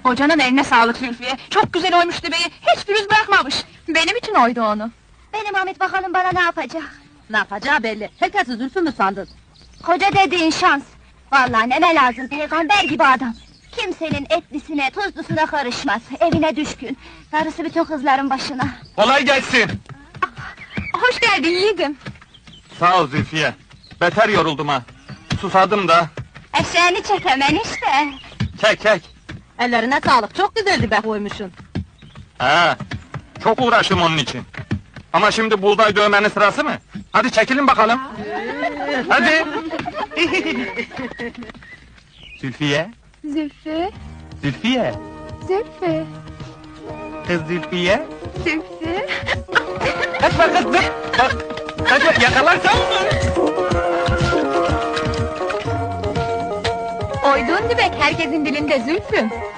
Hocanın eline sağlık Zülfiye. Çok güzel oymuş beyi. Hiç pürüz bırakmamış. Benim için oydu onu. Benim Ahmet bakalım bana ne yapacak? Ne yapacağı belli. Herkesi Zülfü mü sandın? Koca dediğin şans. Vallahi neme lazım, peygamber gibi adam. Kimsenin etlisine, tuzlusuna karışmaz. Evine düşkün. Darısı bütün kızların başına. Kolay gelsin. Hoş geldin yiğidim. Sağ ol Zülfiye. Beter yoruldum ha. Susadım da. Eşeğini çek hemen işte. Çek çek. Ellerine sağlık, çok güzeldi be koymuşsun. Ha, çok uğraştım onun için. Ama şimdi buğday dövmenin sırası mı? Hadi çekilin bakalım. Hadi. Zülfiye, Zülfü, Zülfiye. Zülfü, Kız Zülfiye. Zülfü. Kaçma kız dur. Bak, kaçma yakalarsam mı? Oyduğun dübek herkesin dilinde Zülfü.